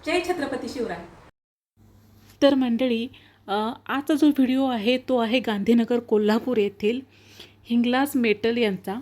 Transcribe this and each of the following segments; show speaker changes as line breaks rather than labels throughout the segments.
जय छत्रपती शिवराय।
तर मंडळी, आजचा जो व्हिडिओ आहे तो आहे गांधीनगर कोल्हापूर येथील हिंगलाज मेटल यांचा।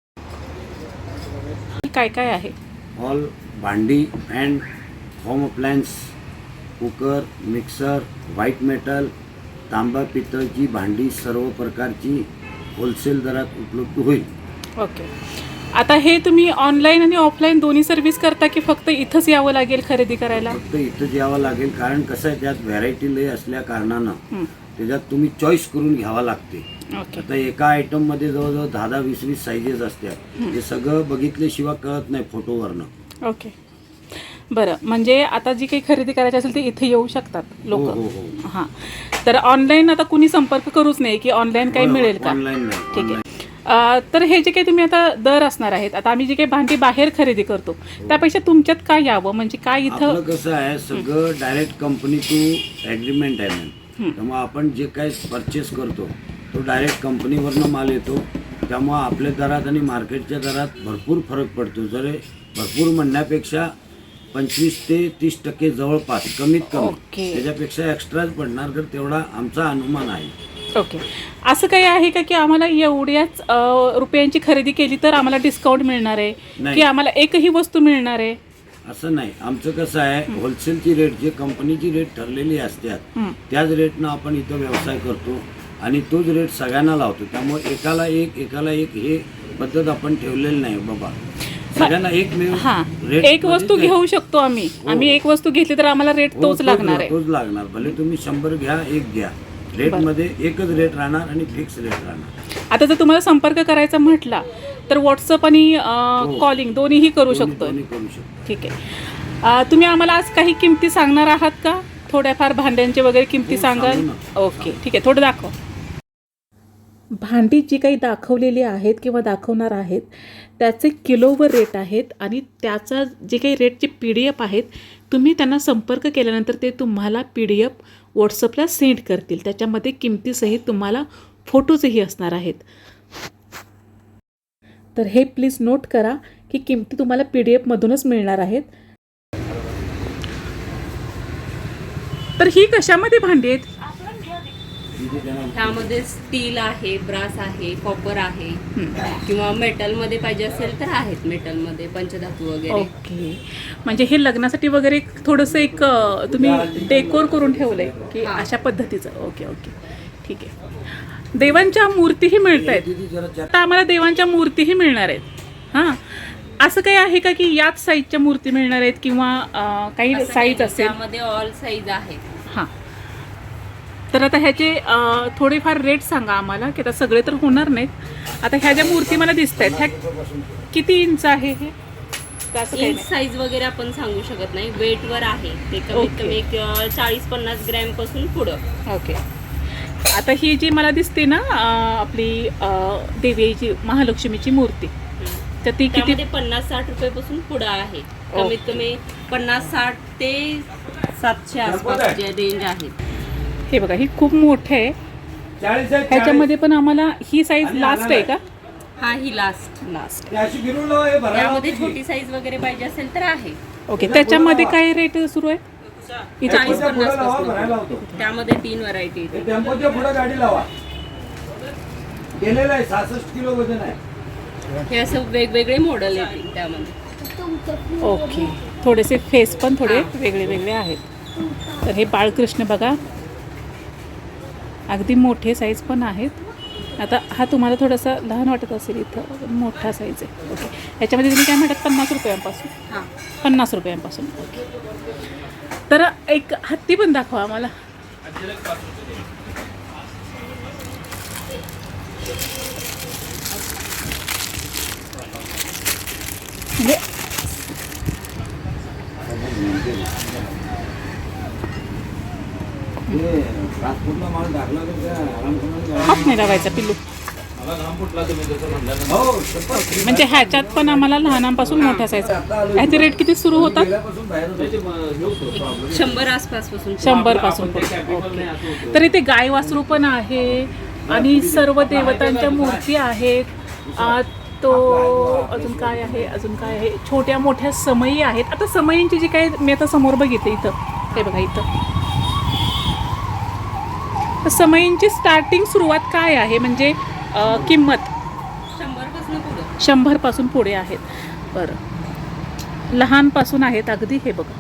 काय काय आहे?
ऑल भांडी and home appliance, cooker, mixer, white metal, तांबा पितळची भांडी सर्व प्रकारची होलसेल दरात उपलब्ध होईल।
ओके, आता हे तुम्ही ऑनलाईन आणि ऑफलाईन दोन्ही सर्व्हिस करता की फक्त इथंच यावं लागेल खरेदी करायला?
फक्त इथंच यावं लागेल, कारण कसं आहे त्यात व्हरायटी लय असल्या कारणानं त्याच्यात तुम्ही चॉईस करून घ्यावा लागते।
ओके,
आता एका आयटम मध्ये जवळजवळ 10-20 साईजेस असतात, हे सगळं बघितल्याशिवाय कळत नाही फोटोवरनं।
ओके, बरं, म्हणजे आता जी काही खरेदी करायची असेल ते इथे येऊ शकतात लोक?
हो हो हो,
हां, तर ऑनलाईन आता कुणी संपर्क करूच नाही की ऑनलाईन काही मिळेल का?
ऑनलाईन नाही।
ठीक आहे, तर हे जे काही तुम्ही आता दर असणार आहेत, आता आम्ही जे काही भांडी बाहेर खरेदी करतो त्यापेक्षा तुमच्यात काय यावं, म्हणजे काय इथं?
आपलं कसं आहे, सगळं डायरेक्ट कंपनी टू ॲग्रीमेंट आहे मॅम। त्यामुळे आपण जे काही परचेस करतो तो डायरेक्ट कंपनीवरनं माल येतो, त्यामुळं आपल्या दरात आणि मार्केटच्या दरात भरपूर फरक पडतो। जर भरपूर म्हणण्यापेक्षा 25 ते 30% जवळपास कमीत कमी,
ओके,
त्याच्यापेक्षा एक्स्ट्राच पडणार, तर तेवढा आमचा अनुमान आहे।
ओके, असं काही आहे का की आम्हाला एवढ्याच रुपयांची खरेदी केली तर आम्हाला डिस्काउंट मिळणार आहे,
नाही।
की आम्हाला एकही वस्तू मिळणार आहे?
असं नाही, आमचं कसं आहे, होलसेलची रेट जे कंपनीची रेट ठरलेली असतात त्याच रेटनं आपण इथं व्यवसाय करतो आणि तोच रेट सगळ्यांना लावतो। त्यामुळे एकाला एक हे पद्धत आपण ठेवलेली नाही बाबा, सगळ्यांना एक
रेट, एक वस्तू घेऊ शकतो आम्ही एक वस्तू घेतली तर आम्हाला रेट तोच लागणार आहे?
तोच लागणार, भले तुम्ही 100 घ्या, एक घ्या, रेट मध्ये एकच रेट राहणार आणि फिक्स रेट राहणार।
आता जर तुम्हाला संपर्क करायचा म्हटला तर व्हॉट्सअप आणि कॉलिंग दोन्हीही करू शकतो? ठीक आहे, तुम्ही आम्हाला आज काही किमती सांगणार आहात का? थोड्याफार भांड्यांचे वगैरे किमती सांगाल? ओके, ठीक आहे, थोडं दाखव। भांडी जी काही दाखवलेली आहेत किंवा दाखवणार आहेत त्याचे किलोवर रेट आहेत आणि त्याचा जे काही रेटचे PDF आहेत, तुम्ही त्यांना संपर्क केल्यानंतर ते तुम्हाला PDF व्हॉट्सअपला सेंड करतील। त्याच्यामध्ये किमतीसहित तुम्हाला फोटोजही असणार आहेत। तर हे प्लीज नोट करा की किमती तुम्हाला PDF मधूनच मिळणार आहेत। तर ही कशामध्ये भांडी आहेत?
ह्यामध्ये स्टील आहे, ब्रास आहे, कॉपर आहे, किंवा मेटलमध्ये पाहिजे असेल तर आहेत, मेटलमध्ये पंचधातू वगैरे।
ओके, म्हणजे हे लग्नासाठी वगैरे थोडंसं एक तुम्ही डेकोर करून ठेवलंय की अशा पद्धतीचं? ओके ओके, ठीक आहे। देवांच्या मूर्तीही मिळत आहेत, आता आम्हाला देवांच्या मूर्तीही मिळणार आहेत। हां, असं काही आहे का की याच साईजच्या मूर्ती मिळणार आहेत किंवा काही साईज असेल?
त्यामध्ये ऑल साईज आहेत।
हां, तर आता ह्याचे थोडेफार रेट सांगा आम्हाला, की आता सगळे तर होणार नाहीत। आता ह्या ज्या मूर्ती मला दिसत आहेत ह्या किती इंच आहे? हे
इंच साईज वगैरे आपण सांगू शकत नाही, वेटवर आहे ते। कमीत कमी 40-50 ग्रॅम पासून पुढं।
ओके, आता ही जी मला दिसते ना आपली देवीची महालक्ष्मीची मूर्ती, तर ती किती?
50-60 रुपयापासून पुढं आहे। कमीत कमी 50-60 ते 700 आसपास जे रेंज आहेत।
हे बघा, ही खूप मोठे आहे, ह्याच्यामध्ये पण आम्हाला ही साईज लास्ट आहे का?
हा, ही लास्ट यामध्ये छोटी साईज वगैरे पाहिजे असेल तर आहे।
ओके, त्याच्यामध्ये काय रेट सुरू आहे?
40-50 पासून, त्यामध्ये 3 व्हरायटी आहेत।
टेम्पोच्या पुढे गाडी लावा, गेलेला आहे 66 किलो वजन आहे।
हे असं वेगवेगळे मॉडेल येतील त्यामध्ये।
ओके, थोडेसे फेस पण थोडे वेगळे वेगळे आहेत। तर हे बाळकृष्ण बघा, अगदी मोठे साईज पण आहेत। आता हा तुम्हाला थोडासा लहान वाटत असेल, इथं मोठा साईज आहे। ओके, ह्याच्यामध्ये तुम्ही काय म्हणतात 50 रुपयांपासून?
हां,
50 रुपयांपासून। ओके, तर एक हत्ती पण दाखवा आम्हाला। म्हणजे हात नाही लावायचा पिल्लू, म्हणजे ह्याच्यात पण आम्हाला लहानांपासून मोठ्या साईज। ह्याचे रेट किती सुरू होतात?
100 आसपासपासून,
100 पासून। ओके, तर इथे गाय वासरू पण आहे आणि सर्व देवतांच्या मूर्ती आहेत। तो अजून काय आहे, अजून काय आहे, छोट्या मोठ्या समयी आहेत. आता समयींची जी काय मी आता समोर बघितले इथं, हे बघा इथं समयींची स्टार्टिंग सुरुवात काय आहे, म्हणजे किंमत
100 पासून पुढं.
100 पासून पुढे आहेत. बरं, लहानपासून आहेत अगदी. हे बघा.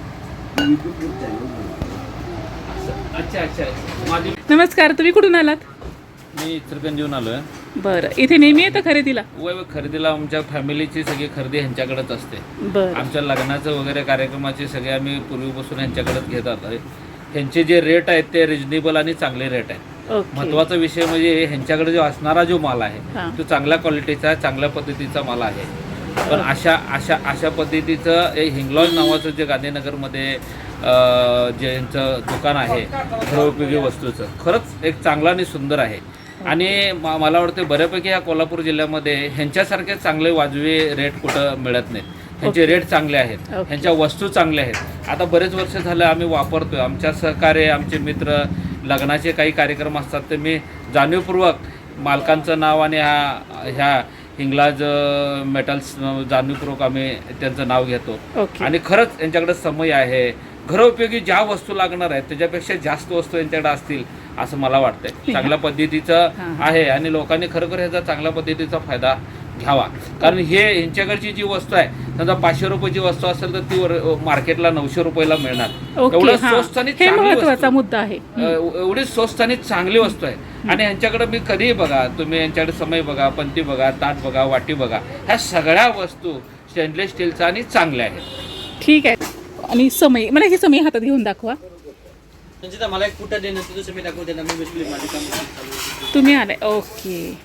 नमस्कार, तुम्ही कुठून आलात?
मी इचलकरंजीहून आलोय.
बरं, इथे नेहमी येतं खरेदीला?
वय खरेदीला आमच्या फॅमिलीची सगळी खरेदी ह्यांच्याकडेच असते.
बरं.
आमच्या लग्नाचं वगैरे कार्यक्रमाचे सगळे आम्ही पूर्वीपासून ह्यांच्याकडेच घेतात. ह्यांचे जे रेट आहेत ते रिजनेबल आणि चांगले रेट आहेत.
ओके.
महत्त्वाचा विषय म्हणजे ह्यांच्याकडे जो असणारा जो माल आहे
हां.
तो चांगल्या क्वालिटीचा चांगल्या पद्धतीचा माल आहे. पण अशा पद्धतीचं हे हिंगलॉज नावाचं जे गांधीनगरमध्ये जे यांचं दुकान आहे गृहोपयोगी वस्तूचं, खरंच एक चांगलं आणि सुंदर आहे. आणि मला वाटतं बऱ्यापैकी या कोल्हापूर जिल्ह्यामध्ये ह्यांच्यासारखे चांगले वाजवी रेट कुठं मिळत नाहीत. ह्यांचे रेट चांगले आहेत, ह्यांच्या वस्तू चांगल्या आहेत. आता बरेच वर्ष झालं आम्ही वापरतोय. आमच्या सहकार्य, आमचे मित्र, लग्नाचे काही कार्यक्रम असतात ते मी जाणीवपूर्वक मालकांचं नाव आणि ह्या हिंगलाज मेटल्स जाणीवपूर्वक आम्ही त्यांचं नाव घेतो.
ओके.
आणि खरंच यांच्याकडे समय आहे. घरोपयोगी ज्या वस्तू लागणार आहेत त्याच्यापेक्षा जास्त वस्तू यांच्याकडे असतील असं मला वाटतंय. चांगल्या पद्धतीचं आहे आणि लोकांनी खरोखर ह्याचा चांगल्या पद्धतीचा फायदा घ्यावा. कारण हे यांच्याकडची जी वस्तू आहे, समजा 500 रुपयाची वस्तू असेल तर ती मार्केटला 900 रुपयाला मिळणार.
ओके,
एवढं
हां.
स्वस्त आणि
हे
चांगली
महत्त्वाचा
वस्तू,
मुद्दा आहे.
एवढी स्वस्त आणि चांगली वस्तू आहे. आणि ह्यांच्याकडे मी कधीही बघा, तुम्ही यांच्याकडे समय बघा, पंती बघा, ताट बघा, वाटी बघा, ह्या सगळ्या वस्तू स्टेनलेस स्टीलच्या आणि चांगल्या आहेत.
ठीक आहे. आणि समय, मला ही समय हातात घेऊन दाखवा.
संचिता, मला एक कुठं देणं तुझं मी दाखवते ना. मी बसली माझी काम चालू आहे.
तुम्ही आलाय. ओके.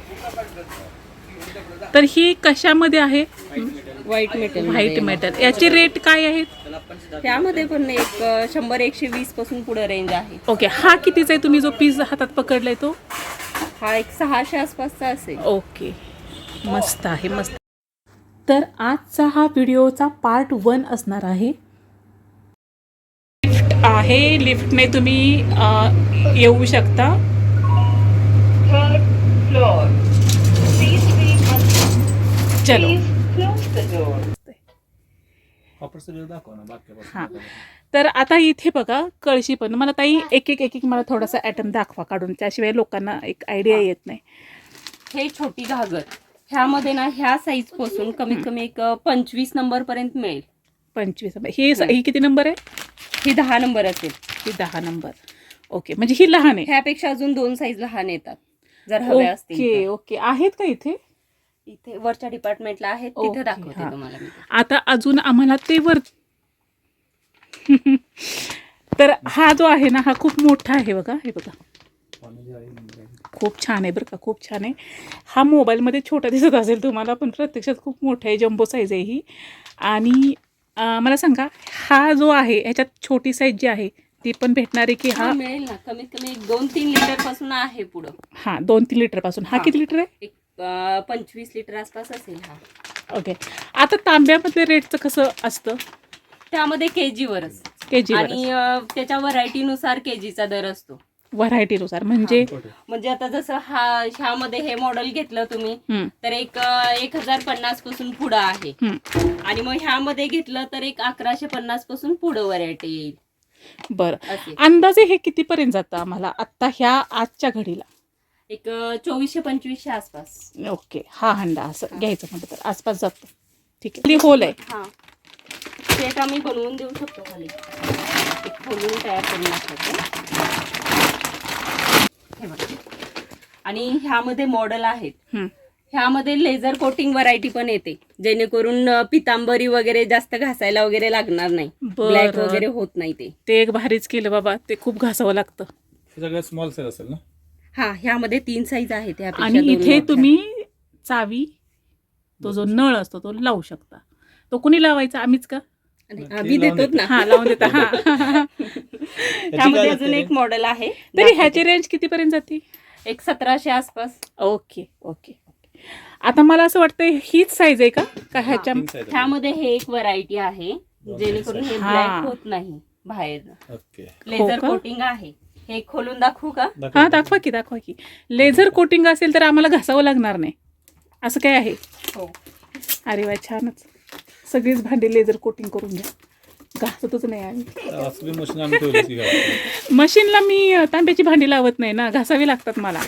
तर ही कशामध्ये आहे?
White metal.
White metal. याचे रेट काय आहेत?
त्याला आपण सुद्धा
त्यामध्ये पण एक 100-120 पासून पुढे रेंज आहे.
ओके. हा कितीचा आहे? तुम्ही जो पीस हातात पकडलाय तो?
हा एक 600 आसपासचा असेल.
ओके, मस्त आहे, मस्त. तर आजचा हा व्हिडिओचा पार्ट 1 असणार आहे. लिफ्ट आहे, लिफ्टने तुम्ही येऊ शकता. चलो. हां, तर आता इथे बघा कळशी पण. मला ताई एक मला थोडासा ॲटम दाखवा काढून, त्याशिवाय लोकांना एक आयडिया येत नाही.
हे छोटी घागर, ह्यामध्ये ना ह्या साईज पासून कमीत कमी एक 25 नंबर पर्यंत मिळेल.
25. ही किती नंबर आहे?
ही 10 नंबर असेल.
ही 10 नंबर. ओके, म्हणजे ही लहान आहे.
ह्यापेक्षा अजून 2 साईज लहान येतात जर हवे असतील
ओके
तर.
ओके. आहेत का इथे?
इथे वरच्या डिपार्टमेंटला आहेत,
ओके,
तिथे दाखवते
हां.
तुम्हाला मी.
आता अजून आम्हाला ते वर तर हा जो आहे ना, हा खूप मोठा आहे बघा. हे बघा, खूप छान आहे बरं का, खूप छान आहे. हा मोबाईलमध्ये छोटा दिसत असेल तुम्हाला, पण प्रत्यक्षात खूप मोठा आहे. जम्बो साईज आहे ही. आणि मला सांगा, हा जो आहे ह्याच्यात छोटी साईज जी आहे ती पण भेटणार आहे की
हा
हा?
मिळेल ना, कमीत कमी एक 2-3 लिटर पासून आहे पुढं.
हां, 2-3 लिटरपासून. हा
हां.
किती लिटर आहे?
एक 25 लिटर आसपास असेल हा.
ओके. आता तांब्यामधल्या रेटचं कसं असतं?
त्यामध्ये केजीवरच
केजी
आणि त्याच्या व्हरायटीनुसार केजीचा दर असतो.
व्हरायटीनुसार. म्हणजे
म्हणजे आता जसं ह्यामध्ये हे मॉडेल घेतलं तुम्ही
हं,
तर एक 1050 पासून पुढं आहे.
हं.
आणि मग ह्यामध्ये घेतलं तर एक 1150 पासून पुढं व्हरायटी येईल.
बरं.
असे
अंदाजे हे कितीपर्यंत जातं आम्हाला आत्ता ह्या आजच्या घडीला?
एक 2400-2500 आसपास.
ओके. हा हंडा असं घ्यायचं म्हटलं तर आसपास जातो. ठीक आहे. होल आहे.
हा, सेट आम्ही बनवून देऊ शकतो खाली. एक खोलून तयार करून टाकायचं. हे बघा. आणि ह्यामध्ये मॉडेल आहेत.
हं.
ह्यामध्ये लेझर कोटिंग व्हरायटी पण येते, जेणेकरून पितांबरी वगैरे जास्त घासायला वगैरे लागणार नाही.
बरं.
ब्लॅक वगैरे होत नाही ते.
ते एक भारीच केलं बाबा. ते खूप घासावं लागतं.
सगळ्यात स्मॉल साईज असेल ना?
हा, ह्यामध्ये 3 साईज आहेत. ह्यापेक्षा
आणि
2
इथे
मोठ्या.
तुम्ही चावी, तो जो नळ असतो तो लावू शकता. तो कुणी लावायचा? आम्हीच का?
आणि आम्ही देतो ना.
हा, लावून देता. हा.
ह्यामध्ये अजून एक मॉडेल आहे.
तरी ह्याची रेंज कितीपर्यंत जाते?
एक 1700 आसपास.
Okay okay. आता मला असं वाटतं हीच साईज आहे का ह्याच्या?
ह्यामध्ये हे एक व्हरायटी आहे, जेणेकरून हे
हा.
ब्लॅक होत नाही बाहेर.
ओके.
लेझर
हो का?
कोटिंग आहे. हे खोलून दाखवू का?
हा, दाखवा की. लेझर कोटिंग असेल तर आम्हाला घासावं लागणार नाही. असं काय आहे?
हो.
अरे वा, छानच. सगळीच भांडी लेझर कोटिंग करून घ्या, घासतच नाही आम्ही.
असली मशीन आम्ही ठेवली की काय?
मशीनला मी तांब्याची भांडी लावत नाही ना, घासावी लागतात मला.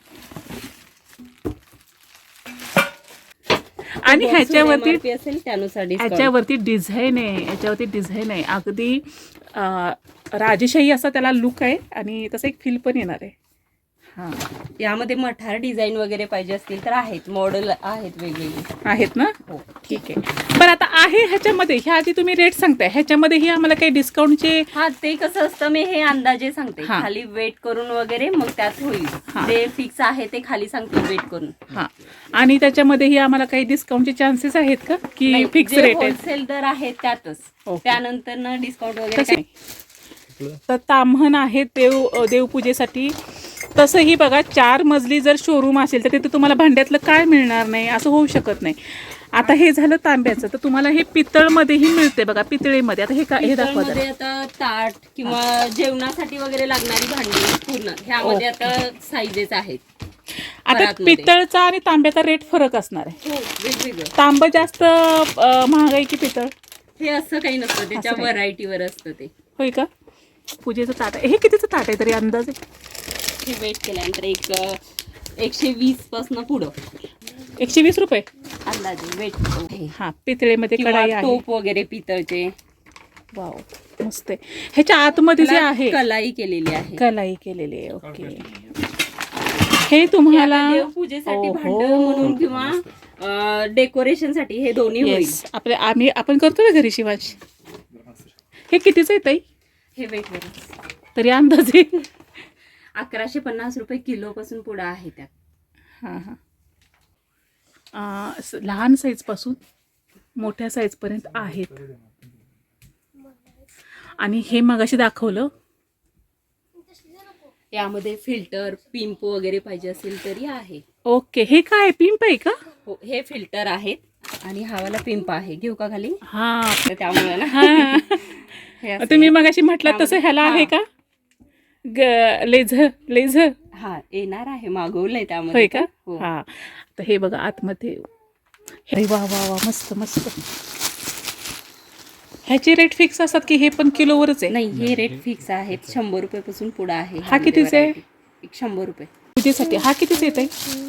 आणि ह्याच्यावरती
MRP असेल त्यानुसार discount.
ह्याच्यावरती डिझाईन आहे, ह्याच्यावरती डिझाईन आहे अगदी राजेशाही असा त्याला लुक आहे आणि तसं एक फील पण येणार आहे. हां,
यामध्ये मठार डिझाईन वगैरे पाहिजे असतील तर आहेत, मॉडेल आहेत वेगवेगळे.
आहेत ना?
हो.
ठीक आहे. पण आता आहे ह्याच्यामध्ये, ह्या आधी तुम्ही रेट सांगताय, ह्याच्यामध्येही आम्हाला काही डिस्काउंटचे?
हा, ते कसं असतं मी हे अंदाजे सांगते,
हा.
खाली वेट करून वगैरे मग त्यात होईल.
हा.
जे फिक्स आहे ते खाली सांगते वेट करून.
हां, आणि त्याच्यामध्येही आम्हाला काही डिस्काउंटचे चान्सेस आहेत का, की फिक्स रेट आहे?
होलसेल दर आहे त्यातच.
ओके.
त्यानंतर ना डिस्काउंट वगैरे
तसे
काही.
तर ताम्हण आहे देवपूजेसाठी. तसंही बघा, 4 मजली जर शोरूम असेल तर तिथे तुम्हाला भांड्यातलं काय मिळणार नाही, असं होऊ शकत नाही. आता हे झालं तांब्याचं, तर तुम्हाला हे पितळमध्येही मिळते बघा, पितळेमध्ये. आता हे दाखवा जरा.
मध्ये आता ताट किंवा जेवणासाठी वगैरे लागणारी भांडी पूर्ण ह्यामध्ये आता साईजेस आहेत.
आता
परातमध्ये.
पितळचा आणि तांब्याचा रेट फरक असणार आहे.
हो, वेगवेगळं.
तांबं जास्त महाग आहे की पितळ?
हे असं काही नसतं, त्याच्या
काही.
व्हरायटीवर असतं ते.
होय का? पूजेचं ताट आहे. हे कितीचं ताट आहे तरी अंदाजे?
हे वेट केल्यानंतर एक 120 पासून पुढं
120 रुपये.
अंदाजे वेट.
हां, पितळेमध्ये
किंवा
कढाई आहे.
टोप वगैरे पितळचे.
वाव, मस्त आहे. ह्याच्या आतमध्ये जे
त्याला
आहे
कलाई केलेली आहे.
कलाई केलेली आहे. ओके. हे तुम्हाला
हे आता देवपूजेसाठी
ओहो.
भांड म्हणून किंवा डेकोरेशन साठी हे दोन्ही होईल.
येस, आपण करतो ना घरी शिवाज. हे कितीचं आहे ताई
हे वेट वर
तरी अंदाजे?
1150 रुपये किलो पासून पुढे आहे त्यात.
हां हां. लहान साईजपासून मोठ्या साईजपर्यंत आहेत. आणि हे मगाशी दाखवलं,
यामध्ये फिल्टर पिंप वगैरे पाहिजे असेल तरी आहे.
ओके. हे काय पिंप आहे का?
हो, हे फिल्टर आहेत आणि हावाला पिंप आहे. घेऊ का खाली?
हां
तर त्यामुळे ना
हां.
हे असं
तुम्ही
आहे.
मगाशी म्हटलं तसं ह्याला आहे का लेझर?
हा, येणार आहे, मागवलंय त्यामध्ये.
होय का?
हो.
हां. तर हे बघा आतमध्ये. अरे वा वा वा, मस्त मस्त. ह्याचे रेट फिक्स असतात की हे पण किलोवरच आहे?
नाही, हे रेट फिक्स आहेत. 100 रुपये पासून पुढे आहे.
हा कितीचा आहे?
एक 100 रुपये.
पूजेसाठी हा कितीच येत आहे?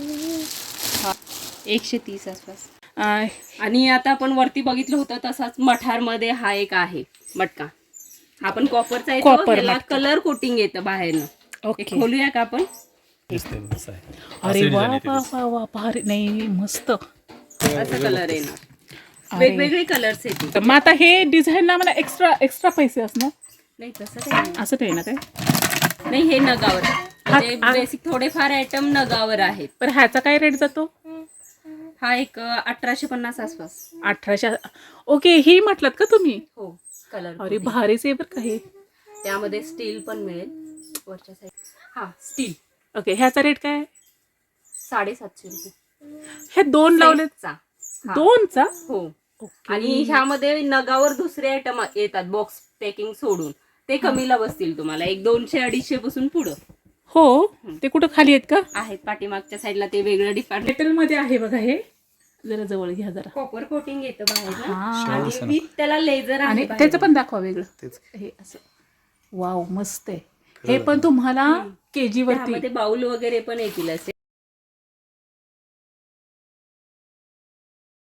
130 आसपास. आणि आता आपण वरती बघितलं होतं तसाच मठारमध्ये हा एक आहे मटका. आपण कॉपरचा येतो,
कॉपर
त्याला
मटका.
कलर कोटिंग येतं बाहेरनं.
ओके.
हे खोलूया का आपण?
दिसते तसं आहे.
अरे
असं
वा
design येते
वा
त्याची.
वा वा, भारी. नाही, मस्त.
असा कलर येणार.
अरे.
वेगवेगळे कलर्स येतील.
तर मग आता हे डिझाईनला मला एक्स्ट्रा पैसे असणार?
नाही, तसं काही नाही.
असं नाही ना काय?
नाही, हे नगावर म्हणजे
हा.
बेसिक थोडेफार आयटम नगावर आहेत.
पण ह्याचा काय रेट जातो?
हा एक 1850 आसपास.
1800. ओके. ही म्हटलात का तुम्ही?
हो, कलर.
अरे भारीच आहे बरं का हे.
त्यामध्ये स्टील पण मिळेल वरच्या साईड. हा, स्टील.
ओके. ह्याचा रेट काय आहे?
750 रुपये.
हे 2 लावलेत?
सेटचा. हा.
2चा?
हो.
ओके.
आणि ह्यामध्ये नगावर दुसरे आयटम येतात बॉक्स पॅकिंग सोडून. ते कमीला बसतील तुम्हाला, एक 200-250 पासून पुढं
हो. ते कुठं खाली आहेत का?
आहेत. पाठीमागच्या साईडला ते वेगळं डिपार्टमेंट.
मेटलमध्ये आहे बघा हे. जरा जवळ घ्या जरा.
कॉपर कोटिंग येतं बाहेर
हा.
आणि विथ त्याला लेझर
आणि
आहे
त्याचं पण दाखवा वेगळं. हे असं. वाव, मस्त आहे. हे पण तुम्हाला केजी वरती.
त्यामध्ये बाउल वगैरे पण येतील असे.